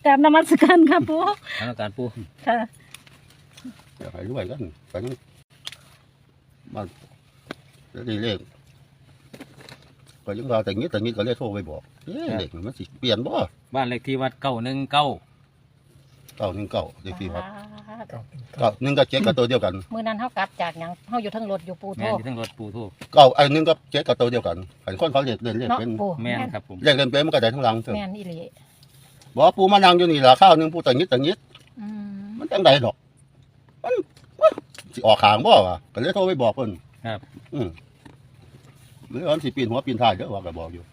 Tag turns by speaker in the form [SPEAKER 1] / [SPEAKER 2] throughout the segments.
[SPEAKER 1] กราบนมัสการค่ะปู่
[SPEAKER 2] ทางการปู
[SPEAKER 1] ค่ะ
[SPEAKER 3] เดี๋ยวให้รวยกันไปมาดีเลขก็ยังเราแต่งี้ก็เลยโทรไปบอกเลขมันสิเปลี่ยนบ่
[SPEAKER 2] บ้านเลขที่วัด919
[SPEAKER 3] 919เลขที่วัด1 กับ 7กับตัวเดียวกัน
[SPEAKER 1] มื้อนั้นเฮากลับจากหยังเฮาอยู่ทั้งรถอยู่ปู่โท
[SPEAKER 2] แม่นอยู่ทั้งรถปูทู
[SPEAKER 3] ไอ้1 กับ 7กับตัวเดียวกันขันคนเขาเล่นเลข
[SPEAKER 1] เนาะ
[SPEAKER 3] เป็น
[SPEAKER 1] ปู่
[SPEAKER 2] แม่นครับผม
[SPEAKER 3] เลขเล่นเป็นมันก็ได้ทั้งหลังเถอะ
[SPEAKER 1] แม่นอีหลี
[SPEAKER 3] บอกปูมานั่งอยู่นี่ล่ะข้าวนึงปูแต่งี้
[SPEAKER 1] อืม
[SPEAKER 3] มันจังไดดอกมันสิออกขางบ่วะก็เลยโทรไปบอกเพิ่น
[SPEAKER 2] ครับ
[SPEAKER 3] หรือว่าสิปีนหัวปีนท้ายเด้อว่าก็บอกอยู่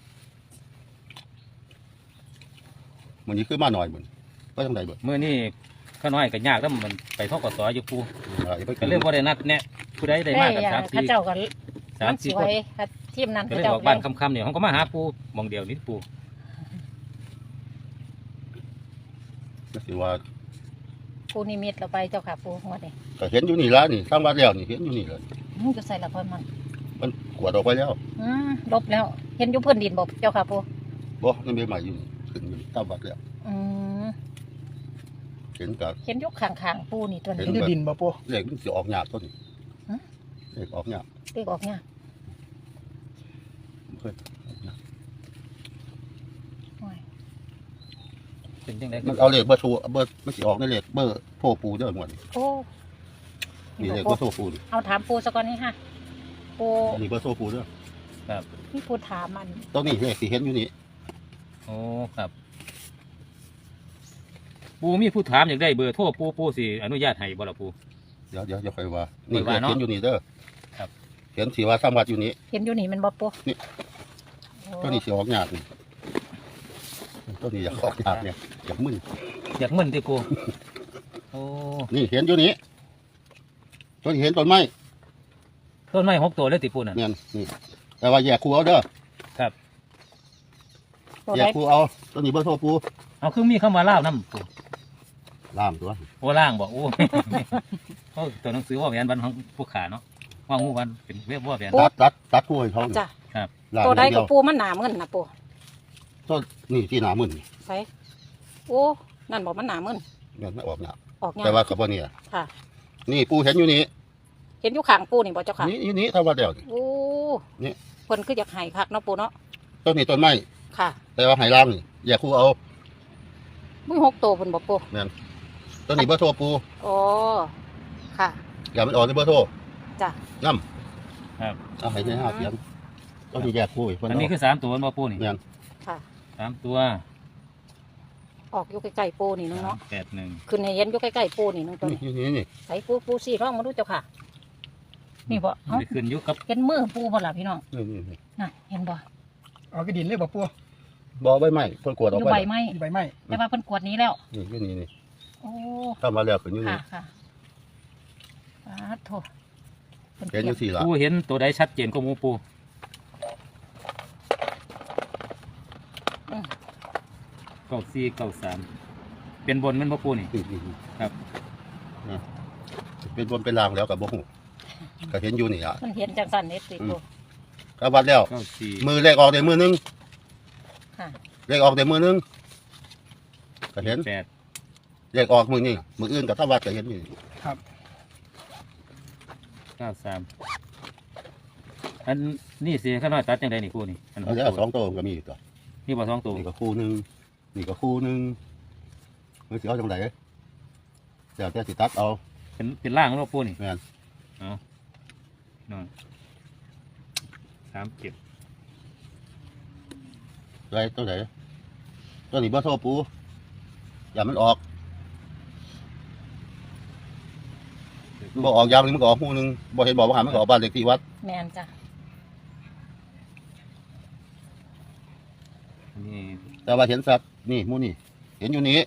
[SPEAKER 3] มันนี้คือมาหน่อยเหมือนก็จังไดเบิด
[SPEAKER 2] มื้อนี้ข้าน้อยก็ยากแล้วมันไปทกสอยู่ปู
[SPEAKER 3] อย่าไป
[SPEAKER 2] ก็เรื่องบ่ได้นัดแน่ผู้ใดได้มากัน
[SPEAKER 1] เขาเจ้าก็มัน
[SPEAKER 2] 3-4
[SPEAKER 1] สิ
[SPEAKER 2] ค
[SPEAKER 1] ไว้
[SPEAKER 2] น
[SPEAKER 1] ค่ะทีมนั้น
[SPEAKER 2] ก็
[SPEAKER 1] เขา
[SPEAKER 2] เลย
[SPEAKER 1] เจ้า
[SPEAKER 2] บอกบ้านค่ำๆเนี่ยเขาก็มาหาปูหม่องเดียวนี่ปู
[SPEAKER 3] ก็สิว่า
[SPEAKER 1] ปู่นิมิตเราไปเจ้าค่ะปู่งวดนี้
[SPEAKER 3] ก็เห็นอยู่นี่ละนี่ทางวัดแล้วนี่เห็นอยู่นี่เลย
[SPEAKER 1] มึงจะใส่ละครมัน
[SPEAKER 3] มันขวดออกไปแล้ว
[SPEAKER 1] ลบแล้วเห็นอยู่พื้นดินบ่เจ้าค่ะปู่
[SPEAKER 3] บ่นั่นเป็นใหม่อยู่นี่ขึ้นอยู่ตามวัดแล้ว
[SPEAKER 1] อืม
[SPEAKER 3] เห็นกับ
[SPEAKER 1] เห็นอยู่ข้างๆปู่นี่ตัว
[SPEAKER 3] เห็
[SPEAKER 1] นี้
[SPEAKER 3] น
[SPEAKER 4] อยู่ดินบ่ปู
[SPEAKER 3] เลขมันสิออกยากต้นเลขออกยาก
[SPEAKER 1] เลขออกเนี่ย
[SPEAKER 3] เพิ่น
[SPEAKER 1] โอ้ย
[SPEAKER 2] เป็นจังได๋
[SPEAKER 3] มันเอาเลขเบอร์โทรเบอร์มันสิออกในเลขเบอร์โทรปูเด้อหมด
[SPEAKER 1] โอ้
[SPEAKER 3] นี่เลขเบอร์โทรปูนี่
[SPEAKER 1] เอาถามปู่ซะก่อนนี่ฮะปู่
[SPEAKER 3] นี่เบอร์โทรปูเด้อ
[SPEAKER 1] มีปู่ถามมัน
[SPEAKER 3] ตรงนี้เลขสิเห็นอยู่นี่
[SPEAKER 2] โอ้ครับปูมีผู้ถามอยากได้เบอร์โทรปูสิอนุญาตให้บ่ล่ะปู
[SPEAKER 3] เดี๋ยวค่อยว่านี่
[SPEAKER 2] ค่อยว่าเนาะ
[SPEAKER 3] เห็นอยู่นี่เด้อ
[SPEAKER 2] ครับ
[SPEAKER 3] เห็นสิว่าสามวัดอยู่นี่
[SPEAKER 1] เห็นอยู่นี่มันบ่ปู่
[SPEAKER 3] นี่
[SPEAKER 1] โอ้
[SPEAKER 3] ตัวนี้สิออกยากนี่ตัวนี้อยากออกยากเนี่ยอยากมึน
[SPEAKER 2] อยากมึนติปูโอ้
[SPEAKER 3] นี่เห็นอยู่นี่ตัวนี้เห็นต้นไม้
[SPEAKER 2] ต้นไม้6ตัวเลยติปูนั่น
[SPEAKER 3] เนี่ยนี่แต่ว่าแยกคู่เอาเด้อ
[SPEAKER 2] ครับ
[SPEAKER 1] ตัว
[SPEAKER 3] แย
[SPEAKER 1] ใด
[SPEAKER 3] กคู่เอาตัวนี้เบอร์โทรปู
[SPEAKER 2] เอาคือมีคำว่าลาวนำปู
[SPEAKER 3] ล่ามตัว
[SPEAKER 2] โอ้ล่างบอกโอ้ เขาตัวหนังสือว่าแหวนวันของผู้ขาเนาะว่างูวันเป็นเว็บว่าแหวน
[SPEAKER 3] ตัดคู่ให้เขานี่
[SPEAKER 1] จ้ะ
[SPEAKER 3] ล่าม
[SPEAKER 1] ตัวใด
[SPEAKER 3] อย่างเดี
[SPEAKER 1] กั
[SPEAKER 3] ย
[SPEAKER 1] บ
[SPEAKER 3] ว
[SPEAKER 1] ปูมันหนามึนนะปู
[SPEAKER 3] ต้นนี่ที่หนามึนนี่
[SPEAKER 1] ใส่โอ้นั่นบอกมันหนามึน
[SPEAKER 3] เนี่ยไม่ออกยาก
[SPEAKER 1] ออกยา
[SPEAKER 3] แต่
[SPEAKER 1] ก
[SPEAKER 3] ว่ากับว่าเนี่ย
[SPEAKER 1] ค่ะ
[SPEAKER 3] นี่ปูเห็นอยู่นี่
[SPEAKER 1] เห็นอยู่ข้างปูนี่บ่เจ้าค่ะ
[SPEAKER 3] นี่อยู่นี่ถ้าว่าเดียวนี่
[SPEAKER 1] โอ้
[SPEAKER 3] นี่
[SPEAKER 1] เพิ่นคืออยากให้คักเนาะปูเนาะ
[SPEAKER 3] ต้นนี้ต้นไม้
[SPEAKER 1] ค่ะ
[SPEAKER 3] แต่ว่าไห้ล่างนี่แยกคู่เอา
[SPEAKER 1] มึง6ตัวเพิ่นบ่ปู
[SPEAKER 3] ต้นนี้เบอร์โทรปู
[SPEAKER 1] โอ้ค่ะ
[SPEAKER 3] อย่ามันออกในเบอร์โทร
[SPEAKER 1] จ้ะ
[SPEAKER 3] น้ำเอาให้ในห้าเสียงต้นนี้แยกคู่อีกคน
[SPEAKER 2] อันนี้
[SPEAKER 3] เอา
[SPEAKER 2] คือ3ตัวมาปูนี่
[SPEAKER 3] เนี่ย
[SPEAKER 1] ค่ะ
[SPEAKER 2] 3ตัว
[SPEAKER 1] ออกอยู่ใกล้ๆปูนี่นึงเนาะ
[SPEAKER 2] 381
[SPEAKER 1] ขึ้นให้เห็นอยู่ใกล้ๆปูนี่นึงตัว
[SPEAKER 3] นี่
[SPEAKER 1] นี้
[SPEAKER 3] อยู่นี่
[SPEAKER 1] ใส่ปูซี่ร่องมาดูเจ้าค่ะ นี่บ่เอ้า
[SPEAKER 2] ไปขึ้นอยุคกับ
[SPEAKER 1] เห็นมือปูบ่ล่ะพี่น้อง
[SPEAKER 3] นี่
[SPEAKER 1] น่ะเห็นบ่
[SPEAKER 4] เอากระดินเลยบ่ปู
[SPEAKER 3] บอใบไม้เพิ่นกวดอ
[SPEAKER 1] อ
[SPEAKER 3] อก
[SPEAKER 1] ยู่
[SPEAKER 3] ไป
[SPEAKER 1] ใบไม้
[SPEAKER 4] มีใบไม้
[SPEAKER 1] แต่ว่าเพิ่นกวดนี้แล้ว
[SPEAKER 3] นี่อยู่นี่
[SPEAKER 1] โอ้
[SPEAKER 3] ถ้ามาแล้วขึ้นอยู่
[SPEAKER 1] ค่ะ
[SPEAKER 3] นี่
[SPEAKER 1] ค่ะสาธุ
[SPEAKER 3] เห็นอยู่สี่ละ
[SPEAKER 2] ปูเห็นตัวใดชัดเจนก็มูปู94 93เป็นบนแมันบ่ปูนี่ ครับ
[SPEAKER 3] นะเป็นบนเป็นลางแล้วกับบ่ฮู้ก็เห็นอยู่นี่อ่ะ
[SPEAKER 1] มันเห็นจังสันเน็ตสิปู
[SPEAKER 3] ก็วัดแล้ว
[SPEAKER 2] 94
[SPEAKER 3] มือเลขออกได้มือนึง
[SPEAKER 1] ค่ะ
[SPEAKER 3] เลขออกได้มือนึงก็เห็น
[SPEAKER 2] 8
[SPEAKER 3] เลขออกมือนี่มืออื่นกับถ้าวัดก็เห็นอยู่
[SPEAKER 4] ครับ
[SPEAKER 2] 93อันนี่สิข้าน้อยตัดจังไดนี่ปูนี่อัน
[SPEAKER 3] อันนี้สองตัวก็มีตัว
[SPEAKER 2] นี่บ่2ตัว
[SPEAKER 3] นี่ก็คู่หนึงนี่ก็คู่หนึงมันสิเอาจังไดเดี๋ยวแต่สิตัดเอา
[SPEAKER 2] เป็นล่างของปูนี่
[SPEAKER 3] แม่น
[SPEAKER 2] เอาน้อย37
[SPEAKER 3] ไรตัวไหนตัวนี้บ่โทรปูอย่ามันออกบ่ออกยามนึงมันก็ออกคู่หนึงบ่เห็นบอกว่าหามันก็ออกบ้านเลขที่วัด
[SPEAKER 1] แมนจ้ะ
[SPEAKER 2] นี่
[SPEAKER 3] แต่ว่าเห็นสัตว์นี่หมูนี่เห็นอยู่นี่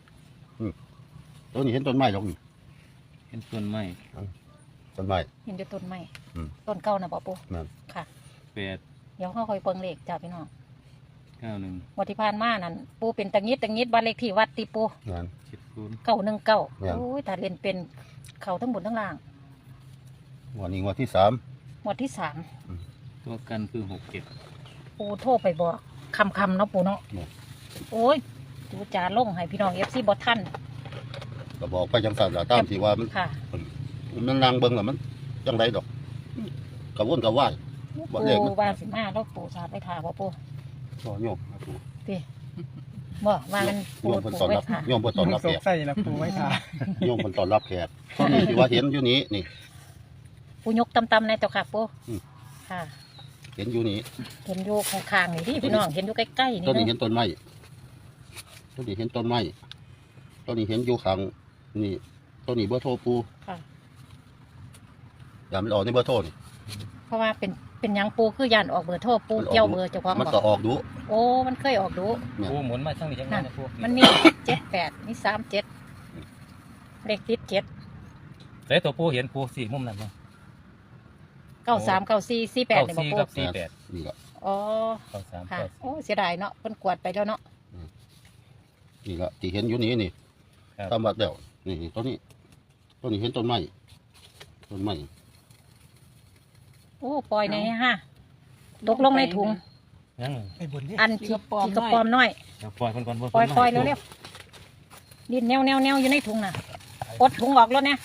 [SPEAKER 3] ตัวนี้เห็นต้นไม้หรอกนี่
[SPEAKER 2] เป็นต้นไม้
[SPEAKER 3] ต้นไม้
[SPEAKER 1] เห็นอยู่ต้นไม้
[SPEAKER 3] อืม
[SPEAKER 1] ต้นเก่านะบ่ปู
[SPEAKER 3] นั่น
[SPEAKER 1] ค่ะ
[SPEAKER 2] 8
[SPEAKER 1] เดี๋ยวเขาคอยเปิงเลขจ้ะพี่น้อง
[SPEAKER 2] 91
[SPEAKER 1] วันที่ผ่านมานั่นปูเป็นตังงิดบ้านเลขที่วัดติปู
[SPEAKER 3] นั่น
[SPEAKER 2] 70
[SPEAKER 1] 919
[SPEAKER 3] แม่น
[SPEAKER 1] โอ้ยถ้าเล่นเป็นเขาทั้งบนทั้งล่าง
[SPEAKER 3] วันนี้วันที่สาม
[SPEAKER 1] งวดที่
[SPEAKER 2] ตัวกันคือ67
[SPEAKER 1] 3ปูโทรไปบอกคำเนาะปูเนาะโอ้ยดูจาลงให้พี่น้อง FC บ่ทัน
[SPEAKER 3] ก็บอกไปจังซั่นล่ะตามที่ว่ามัน
[SPEAKER 1] ค่ะ
[SPEAKER 3] มันนั่งเบิ่งแล้วมันจังไดดอกกระวนกระวาย บ่เลข
[SPEAKER 1] ปู
[SPEAKER 3] นะ
[SPEAKER 1] ว่าสิมาแล้วปูสาดไปถาบ่ปู
[SPEAKER 3] บ่โยมครับ
[SPEAKER 1] บ่ว่ามันปู
[SPEAKER 3] โยมเพิ่น
[SPEAKER 1] ปู
[SPEAKER 3] ต้อน
[SPEAKER 1] ไว้
[SPEAKER 3] รับ
[SPEAKER 1] ค่ะ
[SPEAKER 3] โยมเพิ่นต้อนรับ
[SPEAKER 4] ส
[SPEAKER 3] แข
[SPEAKER 4] ง
[SPEAKER 3] ก
[SPEAKER 4] สัยละปูไว้ทา
[SPEAKER 3] โยมเพิ่นต้อนรับแขกตอนนี้ที่ว่าเห็นอยู่นี้นี่
[SPEAKER 1] ปูยกตำๆในเจ้าค่ะปู
[SPEAKER 3] อืม
[SPEAKER 1] ค่ะ
[SPEAKER 3] เห็นอยู่นี้
[SPEAKER 1] เห็นอยู่ข้างๆนี่ที่พี่น้องเห็นอยู่ใกล้ๆนี่
[SPEAKER 3] ต้นนี้
[SPEAKER 1] เนาะ
[SPEAKER 3] เห็นต้นไม้ต้นนี้เห็นต้นไม้ต้นนี้เห็นอยู่ข้างนี่ต้นนี้เบอร์โทรปู
[SPEAKER 1] ค่ะ
[SPEAKER 3] อย่ามันออกในเบอร์โทรนี่
[SPEAKER 1] เพราะว่าเป็นหยังปูคือย่านออกเบอร์โทรปูเกี่ยวเบอร์เจ้าของ
[SPEAKER 3] มัน
[SPEAKER 1] บ
[SPEAKER 3] ก็
[SPEAKER 1] อก
[SPEAKER 3] ออกดู
[SPEAKER 1] โอ้มันเคยออกดู
[SPEAKER 2] ปูหมุนมาช่างนี้จังนั้นนะปู
[SPEAKER 1] มันมี78มี37เลขติด7
[SPEAKER 2] แล้วตัวปูเห็นปูสี่มุมนั่นมั้ง
[SPEAKER 1] 93 94 48นี่บ่
[SPEAKER 2] สี่
[SPEAKER 1] ปู
[SPEAKER 2] กับสี่แปด
[SPEAKER 3] นี่ก็
[SPEAKER 1] อ๋อ
[SPEAKER 2] 93
[SPEAKER 1] ค่ะ
[SPEAKER 2] 94
[SPEAKER 1] โอ้เสียดายเนาะเพิ่นกวาดไปแล้วเนาะ
[SPEAKER 3] นี่ก็ที่เห็นอยู่นี้นี่
[SPEAKER 2] ครับ
[SPEAKER 3] ตามวัดแล้วนี่ต้นนี้เห็นต้นไม้ต้นไม้
[SPEAKER 1] โอ้ปล่อยในฮะตกลงในถุง
[SPEAKER 2] ยัง
[SPEAKER 4] ไปบนนี่
[SPEAKER 1] อันที่กระปอมน้อย
[SPEAKER 2] เดี๋ยวปล่อยคนก่อน
[SPEAKER 1] ปล่อยเร็วๆดินแนวอยู่ในถุงน่ะปลดถุงออกแล้วเนี่ย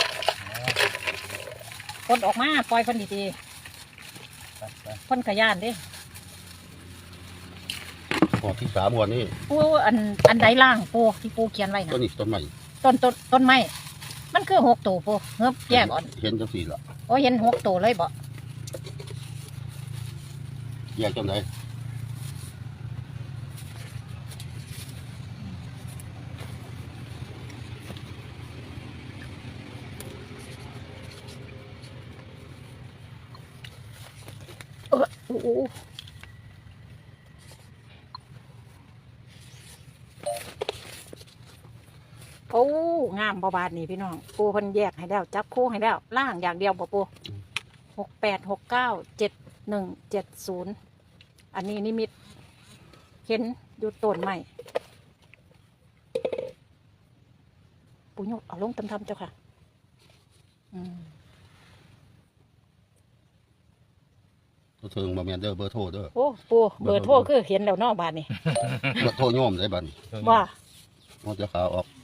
[SPEAKER 1] ปลดออกมาปล่อยคนดี
[SPEAKER 2] ๆ
[SPEAKER 1] ๆคนขยันเดิ
[SPEAKER 3] ออกที่3หัวนี่
[SPEAKER 1] ปูอันใดล่างปูที่ปูเขียนไว้
[SPEAKER 3] ต้น
[SPEAKER 1] นะ
[SPEAKER 3] นี้ต้นไม้
[SPEAKER 1] ต้นไม้มันคือ6ตัวปูเงือบแยกอ่อน
[SPEAKER 3] เห็นจังสี่ละ
[SPEAKER 1] โอ้เห็น6ตัวเลยบ่
[SPEAKER 3] แยกจังได
[SPEAKER 1] อู้โอ้งามบ่บาดนี่พี่น้องปูเพิ่นแยกให้แล้วจับคู่ให้แล้วล่างอย่างเดียวบ่ปู68 69 71 70อันนี้นิมิตเห็นอยู่ต้นใหม่ปูยกเอาลงทำๆเจ้าค่ะ
[SPEAKER 3] ตัวเทิงบ่แม่นเด้อเบอร์โทรเด้อ
[SPEAKER 1] โอ้ปูเบอร์โทรคือเห็นแล้วเนอกบาดนี่
[SPEAKER 3] เบอร์โทรโยมได้บัดนี้
[SPEAKER 1] ว่า
[SPEAKER 3] มันจะขาออก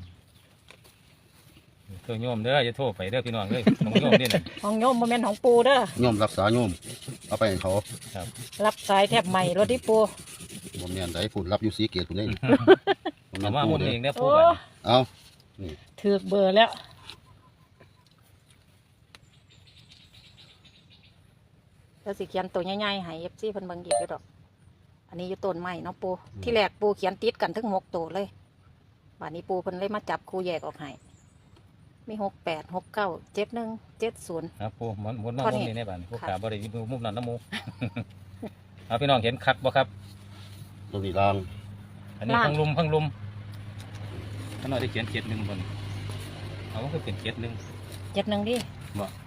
[SPEAKER 2] ตัวโยมเด้ออย่าโทษไปเด้อพี่น้องเด้อของโยมนี่น่ะ
[SPEAKER 1] ของโยมโมเมนต์ของปูเด้อ
[SPEAKER 3] โยมรักษาโยมเอาไปให้เขา
[SPEAKER 1] รับสายแทบใหม่รถที่ปู
[SPEAKER 3] บ่แม่นได้พูดรับอยู่สีเกตพุ่นเด้
[SPEAKER 2] เอามาหมุนเองเด้อปู
[SPEAKER 1] โอ้
[SPEAKER 2] บัด
[SPEAKER 3] เอา
[SPEAKER 1] ถือเบอร์แล้วแล้วสิเขียนตัวใหญ่ๆให้เอฟซีเพิ่นเบิ่งอีกอยู่ดอก อันนี้อยู่ต้นใหม่เนาะปูที่แรกปูเขียนติดกันทั้ง6ตัวเลยบาดนี้ปูเพิ่นเลยมาจับคู่แยกออกให้มี68 69 71 70
[SPEAKER 2] ครับปูหมุนมา
[SPEAKER 1] พอ
[SPEAKER 2] มุ
[SPEAKER 1] นี่
[SPEAKER 2] มนี้ในบ้านผู้
[SPEAKER 1] ค่ะ
[SPEAKER 2] ขาบ่ได้อยู่มุมนั้นนะหมู เอาพี่น้องเห็นคักบ่ครับ
[SPEAKER 3] ตัวนี้ล่าง
[SPEAKER 2] อันนี้พังลุมข้างนอกได้เขียน7-1บนเอาก็คือเป็น7-1
[SPEAKER 1] 71ดิ
[SPEAKER 2] บ่